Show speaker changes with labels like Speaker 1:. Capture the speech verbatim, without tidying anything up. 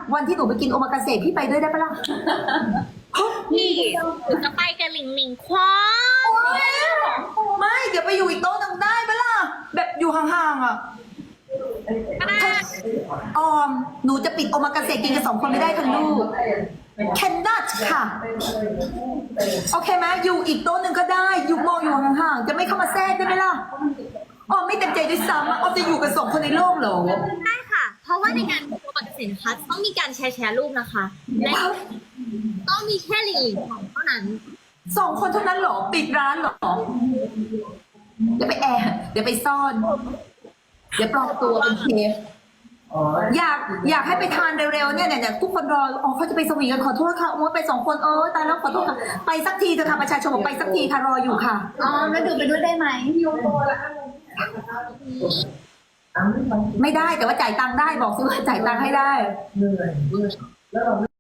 Speaker 1: วันที่หนูไปกินโอมากาเสะพี่ไปด้วยได้ปะล่ะ
Speaker 2: พี่หนูจะไปกับหลิงหลิงควา
Speaker 1: โอ๊ยไม่เดี๋ยวไปอยู่อีกโต๊ะหนึงได้ปะล่ะแบบอยู่ห่างๆอ่ะออมหนูจะปิดโอมากาเสะกินกันสองคนไม่ได้ทั้งลูก cannot ค่ะ โอเคไหมอยู่อีกโต๊ะหนึ่งก็ได้ อยู่มองอยู่ห่างๆ จะไม่เข้ามาแทรกได้ไหมล่ะอ๋อไม่เต็มใจด้วยซ้ำอ่ะอ๋อจะอยู่กันสองคนในโลกเหรอ
Speaker 2: ได้ค่ะ เพราะว่าในการโปรโมทสินค้าต้องมีการแชร์แชร์รูปนะคะ และต้องมีแค่หลิงหลิงเท่านั้น
Speaker 1: สองคนเท่านั้นเหรอ ปิดร้านเหรอ เดี๋ยวไปแอบเดี๋ยวไปซ่อน เดี๋ยวปลอมตัวเป็นเชฟอยากอยากให้ไปทานเร็วๆเนี่ยเนี่ยทุกคนรออ๋อเขาจะไปสวีทกันขอโทษค่ะโอ้ไปสองคนเออตายแล้วขอโทษค่ะไปสักทีเถอะค่ะประชาชนบอกไปสักทีค่ะรออยู่ค่ะ
Speaker 3: อ๋อแล้วดูไปด้วยได้ไหม
Speaker 1: ไม่ได้แต่ว่าจ่ายตังค์ได้บอกซื้อว่าจ่ายตังค์ให้ได้
Speaker 4: เหนื่อยแล้วเรา